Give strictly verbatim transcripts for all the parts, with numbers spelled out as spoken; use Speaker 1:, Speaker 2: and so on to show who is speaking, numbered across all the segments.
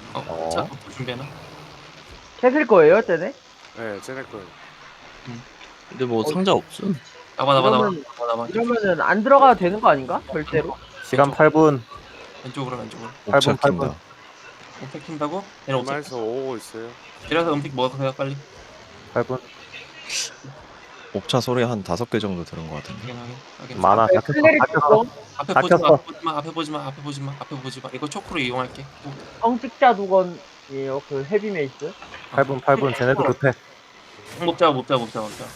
Speaker 1: 어,
Speaker 2: 어.
Speaker 1: 자, 또 준비하나?
Speaker 3: 캐슬 거예요, 쟤네?
Speaker 4: 네, 쟤네 거예요.
Speaker 2: 근데 뭐
Speaker 3: 어,
Speaker 2: 상자 없음.
Speaker 1: 나봐, 나봐, 나봐,
Speaker 3: 이러면
Speaker 1: 나봐, 나봐.
Speaker 3: 이러면은 안 들어가도 되는 거 아닌가? 절대로?
Speaker 2: 시간
Speaker 1: 왼쪽.
Speaker 2: 팔 분.
Speaker 1: 왼쪽으로, 왼쪽으로.
Speaker 2: 팔 분,
Speaker 5: 옵차
Speaker 2: 팔 분.
Speaker 5: 킨다.
Speaker 1: 음택 킨다고? 얘네 옵차
Speaker 4: 이마에서 오고 있어요.
Speaker 1: 내려서 음택 먹어서 빨리.
Speaker 2: 팔 분.
Speaker 5: 옵차 소리 한 다섯 개 정도 들은 것 같은데.
Speaker 1: 확인, 확인, 확인.
Speaker 2: 많아.
Speaker 3: 네,
Speaker 2: 닫혔어.
Speaker 3: 클레릭
Speaker 2: 닫혔어.
Speaker 3: 거
Speaker 1: 앞에
Speaker 2: 다
Speaker 1: 보지 마,
Speaker 2: 켰어.
Speaker 1: 앞에 보지 마, 앞에 보지 마, 앞에 보지 마, 앞에 보지 마. 이거 초크로 이용할게. 오,
Speaker 3: 성직자 두건이에요, 그 헤비메이스.
Speaker 2: 팔 분, 팔 분. 쟤네도 급해.
Speaker 1: 못 잡아, 못 잡아, 못 잡아, 못 잡아.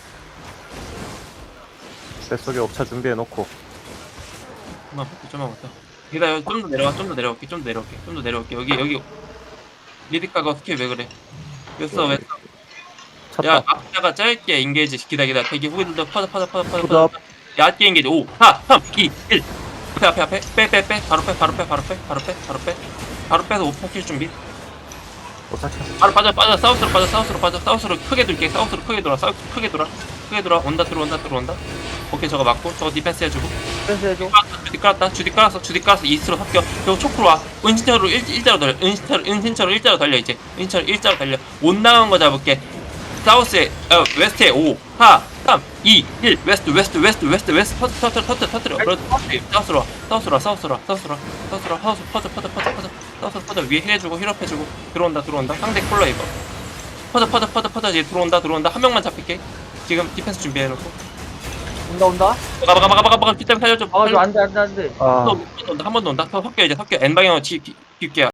Speaker 2: 뱃속에 옵차 준비해놓고.
Speaker 1: 좀만 볼게, 좀만 볼게. 기다려, 좀 더 내려가, 좀 더 내려올게, 좀 더 내려올게, 좀 더 내려올게. 여기, 여기. 리드가가 스킬 왜 그래? 왜 써, 왜 써? 야,
Speaker 2: 쳤다.
Speaker 1: 앞자가 짧게 인게이지. 기다, 기다. 대기 후기들도 퍼져, 퍼져, 퍼져, 퍼져,
Speaker 2: 푸드업.
Speaker 1: 퍼져. 얇게 인게이지. 오, 사, 삼, 이, 일. 앞에, 앞에, 앞에. 빼, 빼, 빼. 바로 빼, 바로 빼, 바로 빼, 바로 빼, 바로 빼. 바로 빼서 오퍼 킬 준비.
Speaker 2: 옵차 쳤어.
Speaker 1: 바로 빠져, 빠져. 사우스로 빠져, 사우스로 빠져. 사우스로 크게 돌게. 사우스로 크게 돌아. 사우스 크게 돌아. 크게 돌아. 온다, 들어온다, 들어온다. 오케이, 저거 맞고. 저거 디펜스 해주고.
Speaker 3: 그래서 해줘.
Speaker 1: 주디 깔았다. 주디 깔았어. 주디 깔았어. 이스트로 합격. 그리고 초크로 와. 은신처로 일, 일자로 달려. 은신처로, 은신처로 일자로 달려, 이제. 은신처로 일자로 달려. 못 나간 거 잡을게. 사우스에, 어, 웨스트에 오, 사, 삼, 이, 일. 웨스트, 웨스트, 웨스트, 웨스트, 웨스트. 터트, 터트, 터트, 터트려. 그래도 사우스로 와. 사우스로 와. 사우스로 와. 사우스로 와. 사우스로 와. 사우스, 퍼져, 퍼져, 퍼져, 퍼져. 사우스, 퍼져. 위에 힐해주고, 힐업해주고. 들어온다, 들어온다. 상대 콜러 이거. 퍼져, 퍼져, 퍼져, 퍼져. 이제 들어온다, 들어온다. 한 명만 잡힐게. 지금 디펜스 준비해놓고.
Speaker 3: 온다, 온다.
Speaker 1: 가봐, 가봐, 가봐, 가봐. 뒷담 살려줘.
Speaker 3: 막아줘, 안 돼, 안 돼, 안 돼.
Speaker 2: 아.
Speaker 1: 한 번 더 온다, 한 번 더 온다. 더 섞여, 이제 섞여. N 방향으로 지, 기, 깊게.